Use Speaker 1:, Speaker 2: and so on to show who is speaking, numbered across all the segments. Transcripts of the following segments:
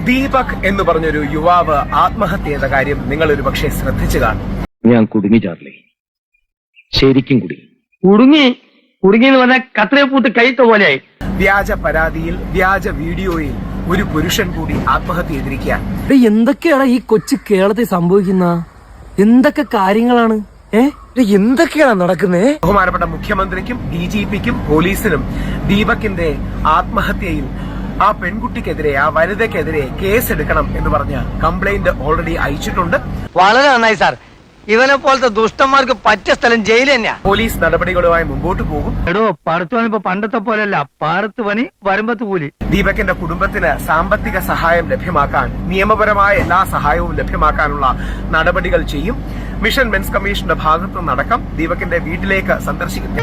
Speaker 1: ദീപക് എന്ന് പറഞ്ഞൊരു യുവാവ് ആത്മഹത്യ ചെയ്ത കാര്യം നിങ്ങൾ ഒരു പക്ഷേ ശ്രദ്ധിച്ചു കാണും.
Speaker 2: ഞാൻ കുടുങ്ങി ചാർലി, ശരിക്കും
Speaker 3: കുടുങ്ങി എന്ന് പറഞ്ഞാൽ കത്രയെ പൂട്ട് കൈത്ത പോലെയായി.
Speaker 1: വ്യാജ പരാതിയിൽ വ്യാജ വീഡിയോയിൽ ഒരു പുരുഷൻ കൂടി ആത്മഹത്യ ചെയ്തിരിക്കുകയാണ്.
Speaker 4: എന്തൊക്കെയാണ് ഈ കൊച്ചു കേരളത്തിൽ സംഭവിക്കുന്ന എന്തൊക്കെ കാര്യങ്ങളാണ്? എന്തൊക്കെയാണ് നടക്കുന്നേ?
Speaker 1: ബഹുമാനപ്പെട്ട മുഖ്യമന്ത്രിക്കും DGPക്കും പോലീസിനും ദീപകിന്റെ ആത്മഹത്യയിൽ ആ പെൺകുട്ടിക്കെതിരെ, ആ വനിതയ്ക്കെതിരെ കേസെടുക്കണം എന്ന് പറഞ്ഞ കംപ്ലൈന്റ് ഓൾറെഡി അയച്ചിട്ടുണ്ട്.
Speaker 3: വളരെ നന്നായി സാർ. ഇവനെ പോലത്തെ ദുഷ്ടന്മാർക്ക് പറ്റിയ സ്ഥലം ജയിൽ തന്നെയാ.
Speaker 1: പോലീസ് നടപടികളുമായി മുമ്പോട്ട് പോകും.
Speaker 3: എടോ, പറത്തു പണി ഇപ്പൊ പണ്ടത്തെ പോലെയല്ല. പാറത്ത് പണി വരുമ്പത്ത് കൂലി.
Speaker 1: ദീപകിന്റെ കുടുംബത്തിന് സാമ്പത്തിക സഹായം ലഭ്യമാക്കാൻ, നിയമപരമായ എല്ലാ സഹായവും ലഭ്യമാക്കാനുള്ള നടപടികൾ ചെയ്യും. മിഷൻ മെൻസ് കമ്മീഷന്റെ ഭാഗത്തു നിന്നടക്കം ദീപകിന്റെ വീട്ടിലേക്ക് സന്ദർശിക്കും.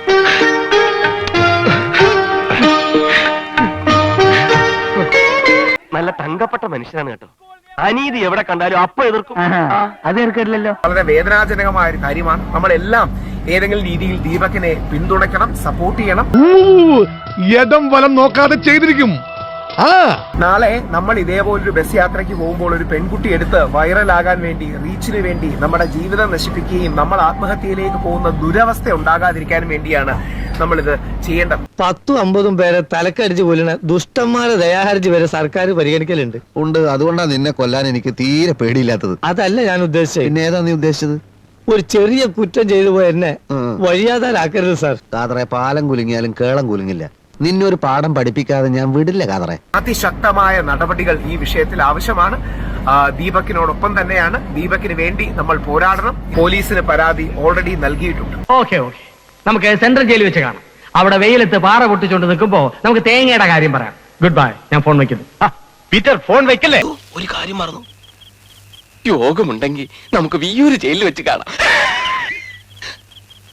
Speaker 2: നല്ല തങ്കപ്പെട്ട മനുഷ്യനാണ് കേട്ടോ. അനീതി എവിടെ കണ്ടാലും അപ്പൊ എതിർക്കും.
Speaker 3: അത് എതിർക്കില്ലല്ലോ.
Speaker 1: വളരെ വേദനാജനകമായ ഒരു കാര്യമാണ്. നമ്മളെല്ലാം ഏതെങ്കിലും രീതിയിൽ ദീപകിനെ പിന്തുണയ്ക്കണം, സപ്പോർട്ട് ചെയ്യണം.
Speaker 5: യദം വലം നോക്കാതെ ചെയ്തിരിക്കും.
Speaker 1: നാളെ നമ്മൾ ഇതേപോലൊരു ബസ് യാത്രയ്ക്ക് പോകുമ്പോൾ ഒരു പെൺകുട്ടി എടുത്ത് വൈറലാകാൻ വേണ്ടി, റീച്ചിന് വേണ്ടി നമ്മുടെ ജീവിതം നശിപ്പിക്കുകയും നമ്മൾ ആത്മഹത്യയിലേക്ക് പോകുന്ന ദുരവസ്ഥ ഉണ്ടാകാതിരിക്കാൻ വേണ്ടിയാണ് നമ്മളിത് ചെയ്യേണ്ടത്.
Speaker 3: 10-50 പേരെ തലക്കടിച്ച് കൊല്ലണ ദുഷ്ടന്മാരെ ദയാഹർജി വരെ സർക്കാർ പരിഗണിക്കലുണ്ട്.
Speaker 6: ഉണ്ട്. അതുകൊണ്ടാണ് നിന്നെ കൊല്ലാൻ എനിക്ക് തീരെ പേടിയില്ലാത്തത്.
Speaker 3: അതല്ല ഞാൻ ഉദ്ദേശിച്ചത്.
Speaker 6: പിന്നെ ഏതാ നീ ഉദ്ദേശിച്ചത്?
Speaker 3: ഒരു ചെറിയ കുറ്റം ചെയ്തു പോയ എന്നെ വഴിയാതാരാക്കരുത് സാർ.
Speaker 6: കാതറെ, പാലം കുലുങ്ങിയാലും കേളം കുലുങ്ങില്ല. നിന്നൊരു പാഠം പഠിപ്പിക്കാതെ ഞാൻ വിടില്ല കാതറെ.
Speaker 1: അതിശക്തമായ നടപടികൾ ഈ വിഷയത്തിൽ ആവശ്യമാണ്. ദീപകിനോടൊപ്പം തന്നെയാണ്. ദീപകിന് വേണ്ടി നമ്മൾ പോരാടണം. പോലീസിന് പരാതി ഓൾറെഡി നൽകിയിട്ടുണ്ട്.
Speaker 3: ഓക്കെ, നമുക്ക് സെൻട്രൽ ജയിലിൽ വെച്ച് കാണാം. അവിടെ വെയിലത്ത് പാറ പൊട്ടിച്ചോണ്ട് നിൽക്കുമ്പോ നമുക്ക് തേങ്ങയുടെ കാര്യം പറയാം. Good bye. ഞാൻ ഫോൺ വെക്കുന്നു.
Speaker 2: പീറ്റർ, ഫോൺ വെക്കല്ലേ. ഒരു കാര്യം മറന്നു. യോഗമുണ്ടെങ്കിൽ നമുക്ക് വിയ്യൂര് ജയിലിൽ വെച്ച് കാണാം.